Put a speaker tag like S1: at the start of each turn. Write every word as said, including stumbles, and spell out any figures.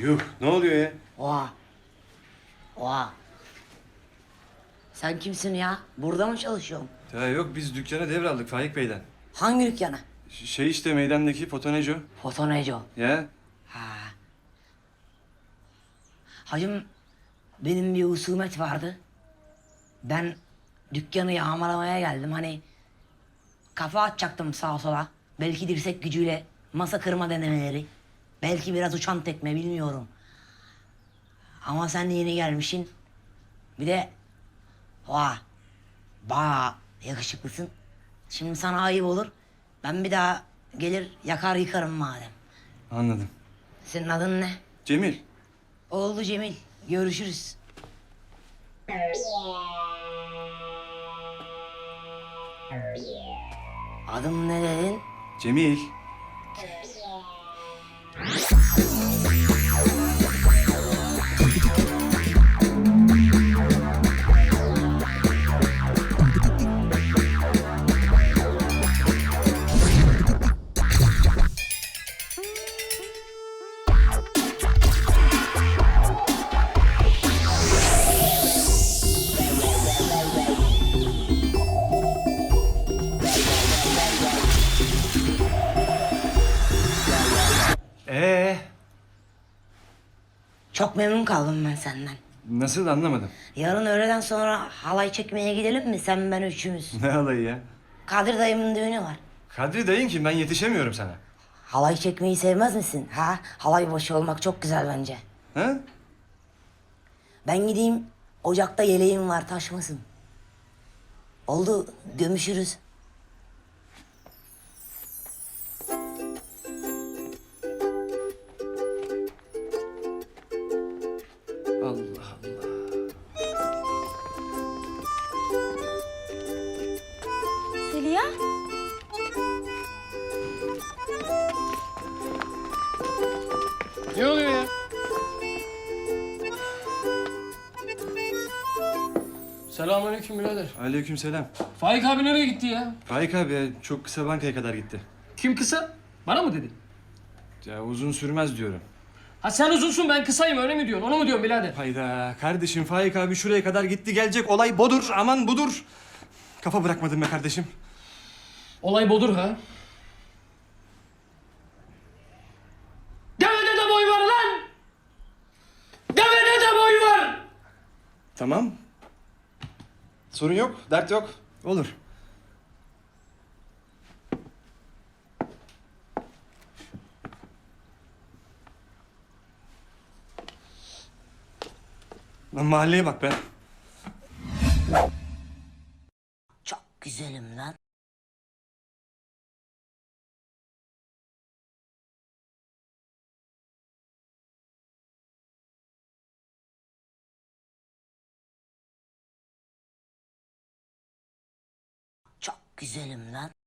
S1: Yuh, ne oluyor ya?
S2: Oha. Oha. Sen kimsin ya? Burada mı çalışıyorsun?
S1: Ya yok, biz dükkana devraldık Faik Bey'den.
S2: Hangi dükkana?
S1: Ş- Şey işte meydandaki Fotoneco.
S2: Fotoneco.
S1: Ya
S2: Ha. Hacım, benim bir husumet vardı. Ben dükkanı yağmalamaya geldim. Hani kafa atacaktım sağa sola. Belki dirsek gücüyle masa kırma denemeleri. Belki biraz uçan tekme, bilmiyorum. Ama sen yeni gelmişsin. Bir de oha, bayağı yakışıklısın. Şimdi sana ayıp olur. Ben bir daha gelir yakar yıkarım madem.
S1: anladım.
S2: Senin adın ne?
S1: Cemil.
S2: Oldu Cemil. Görüşürüz. Adım ne dedin?
S1: Cemil. Ee,
S2: Çok memnun kaldım ben senden.
S1: nasıl anlamadım.
S2: Yarın öğleden sonra halay çekmeye gidelim mi, sen ben üçümüz?
S1: Ne alayı ya?
S2: Kadir dayımın düğünü var.
S1: Kadri dayın kim? Ben yetişemiyorum sana.
S2: Halay çekmeyi sevmez misin? Ha? Halay başı olmak çok güzel bence.
S1: Ha?
S2: Ben gideyim, ocakta yeleğim var, taşmasın. Oldu, gömüşürüz.
S1: Allah Allah.
S3: Zeliha?
S4: Ne oluyor ya? Selamünaleyküm birader.
S1: Aleykümselam.
S4: Faik abi nereye gitti ya?
S1: Faik abi ya, çok kısa bankaya kadar gitti.
S4: Kim kısa? Bana mı dedi?
S1: Ya uzun sürmez diyorum.
S4: Ha sen uzunsun ben kısayım öyle mi diyorsun? Onu mu diyorsun birader?
S1: Hayda kardeşim, Faik abi şuraya kadar gitti gelecek, olay bodur, aman budur. Kafa bırakmadın be kardeşim.
S4: Olay bodur ha. Devede de boy var lan! Devede de boy var!
S1: Tamam. Sorun yok, dert yok. Olur. Lan mahalleye bak be.
S2: Çok güzelim lan. Çok güzelim lan.